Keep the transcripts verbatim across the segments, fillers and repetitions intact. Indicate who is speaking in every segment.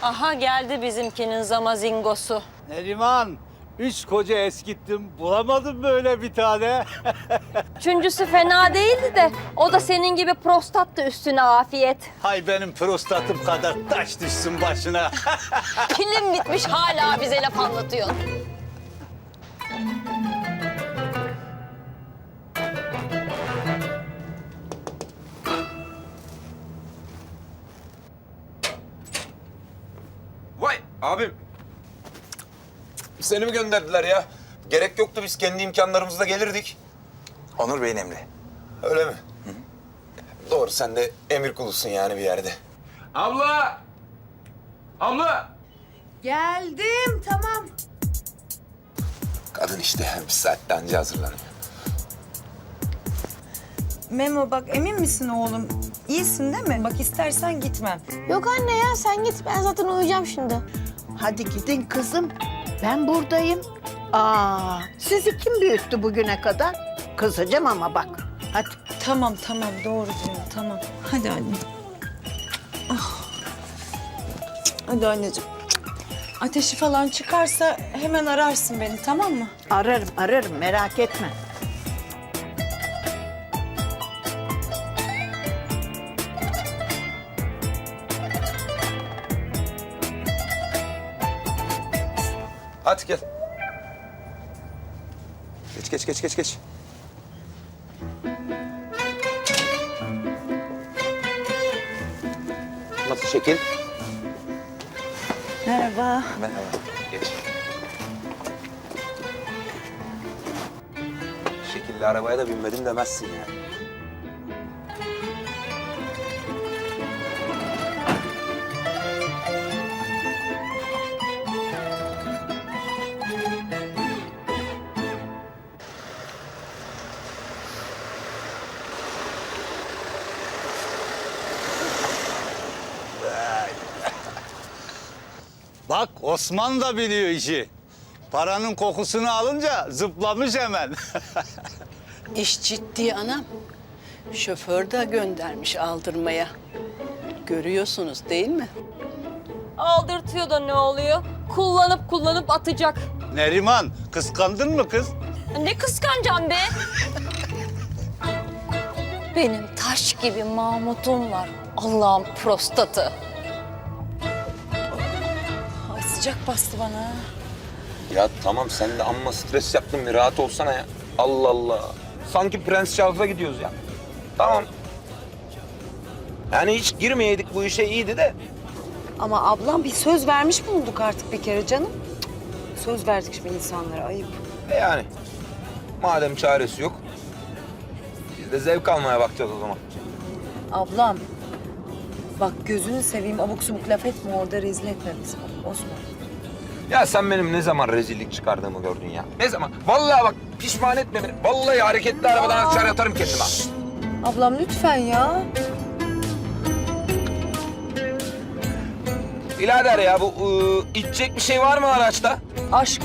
Speaker 1: Aha geldi bizimkinin zamazingosu.
Speaker 2: Neriman, üç koca eskittim. Bulamadım böyle bir tane.
Speaker 1: Üçüncüsü fena değildi de o da senin gibi prostattı üstüne afiyet.
Speaker 2: Hay benim prostatım kadar taş düşsün başına.
Speaker 1: Pilin bitmiş hala bize laf anlatıyorsun.
Speaker 3: Vay abim. Seni mi gönderdiler ya? Gerek yoktu, biz kendi imkanlarımızla gelirdik.
Speaker 4: Onur Bey'in emri.
Speaker 3: Öyle mi? Hı. Doğru, sen de emir kulusun yani bir yerde. Abla! Abla!
Speaker 5: Geldim, tamam.
Speaker 3: Kadın işte, bir saatte anca hazırlanıyor.
Speaker 5: Memo bak, emin misin oğlum? İyisin değil mi? Bak istersen gitmem.
Speaker 6: Yok anne ya sen git ben zaten uyuyacağım şimdi.
Speaker 7: Hadi gidin kızım. Ben buradayım. Aa, sizi kim büyüttü bugüne kadar? Kızacağım ama bak. Hadi.
Speaker 5: Tamam, tamam. Doğru diyor, tamam. Hadi anne. Ah. Hadi anneciğim. Ateşi falan çıkarsa hemen ararsın beni, tamam mı?
Speaker 7: Ararım, ararım. Merak etme.
Speaker 3: Hadi gel. Geç, geç, geç, geç, geç. Nasıl şekil?
Speaker 7: Merhaba.
Speaker 3: Merhaba. Geç. Şekilli arabaya da binmedim demezsin yani.
Speaker 2: Bak Osman da biliyor işi. Paranın kokusunu alınca zıplamış hemen.
Speaker 8: İş ciddi anam. Şoför de göndermiş aldırmaya. Görüyorsunuz değil mi?
Speaker 1: Aldırtıyor da ne oluyor? Kullanıp kullanıp atacak.
Speaker 2: Neriman, kıskandın mı kız?
Speaker 1: Ne kıskanacağım be? Benim taş gibi Mahmut'um var. Allah'ın prostatı.
Speaker 5: Ay sıcak bastı bana.
Speaker 3: Ya tamam, sen de amma stres yaptın, bir rahat olsana ya. Allah Allah. Sanki Prens Charles'a gidiyoruz ya. Tamam. Yani hiç girmeyeydik bu işe iyiydi de.
Speaker 5: Ama ablam bir söz vermiş bulunduk artık bir kere canım. Cık, söz verdik şimdi insanlara, ayıp.
Speaker 3: E yani. Madem çaresi yok. Biz de zevk almaya bakacağız o zaman.
Speaker 5: Ablam, bak gözünü seveyim abuk subuk laf etme orada, rezil etme bizi Osman.
Speaker 3: Ya sen benim ne zaman rezillik çıkardığımı gördün ya. Ne zaman? Vallahi bak, pişman etme beni. Vallahi hareketli arabadan aşağı atarım kendimi ha.
Speaker 5: Ablam lütfen ya.
Speaker 3: Birader ya, bu ıı, içecek bir şey var mı araçta?
Speaker 5: Aşk.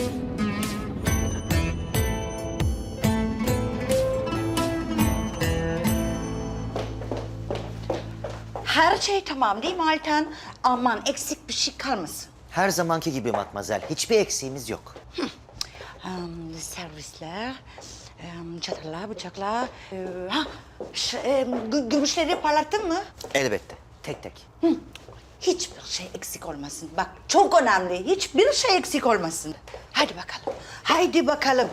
Speaker 9: Her şey tamam değil mi Altan? Aman eksik bir şey kalmasın.
Speaker 10: Her zamanki gibi Matmazel. Hiçbir eksiğimiz yok.
Speaker 9: Um, servisler, um, çatallar, bıçaklar. Ee, ha, ş- e, gü- gümüşleri parlattın mı?
Speaker 10: Elbette. Tek tek.
Speaker 9: Hı. Hiçbir şey eksik olmasın. Bak çok önemli. Hiçbir şey eksik olmasın. Hadi bakalım. Haydi bakalım.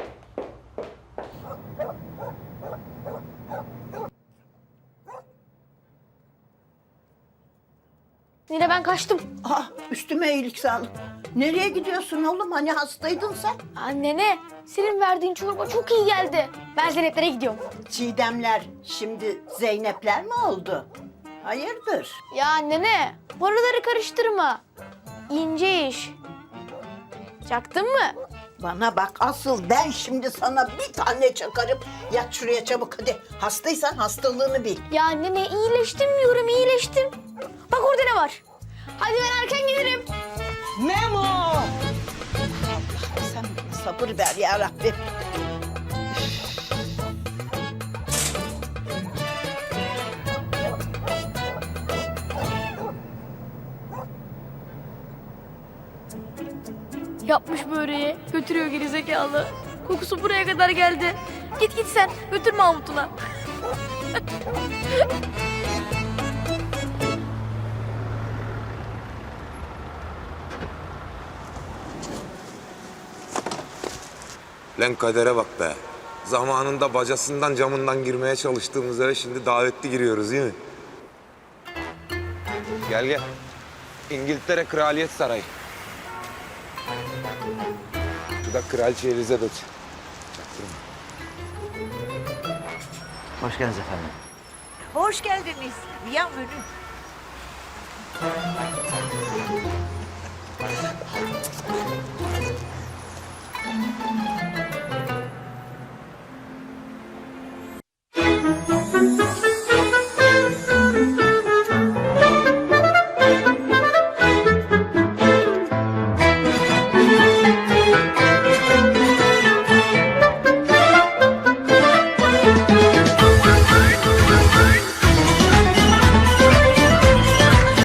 Speaker 6: Nine ben kaçtım.
Speaker 7: Aa, üstüme iyilik sağlık. Nereye gidiyorsun oğlum? Hani hastaydın sen?
Speaker 6: Anne ne? Senin verdiğin çorba çok iyi geldi. Ben Zeynep'lere gidiyorum.
Speaker 7: Çiğdemler şimdi Zeynepler mi oldu? Hayırdır?
Speaker 6: Ya anne ne? Paraları karıştırma. İnce iş. Çaktın mı?
Speaker 7: Bana bak, asıl ben şimdi sana bir tane çakarım. Yat şuraya çabuk hadi. Hastaysan hastalığını bil.
Speaker 6: Ya anne ne? İyileştim diyorum iyileştim. Bak orada ne var? Hadi ben erken gelirim.
Speaker 7: Memo! Allah, sen bana sabır ver ya Rabbim.
Speaker 6: Yapmış böreği. Götürüyor gerizekalı. Kokusu buraya kadar geldi. Git git sen. Götür Mahmut'una.
Speaker 3: Lan kadere bak be. Zamanında bacasından camından girmeye çalıştığımız eve şimdi davetli giriyoruz değil mi? Gel gel. İngiltere Kraliyet Sarayı. Bu da Kraliçe Elizabeth.
Speaker 10: Hoş geldiniz efendim.
Speaker 9: Hoş geldiniz. Bienvenue.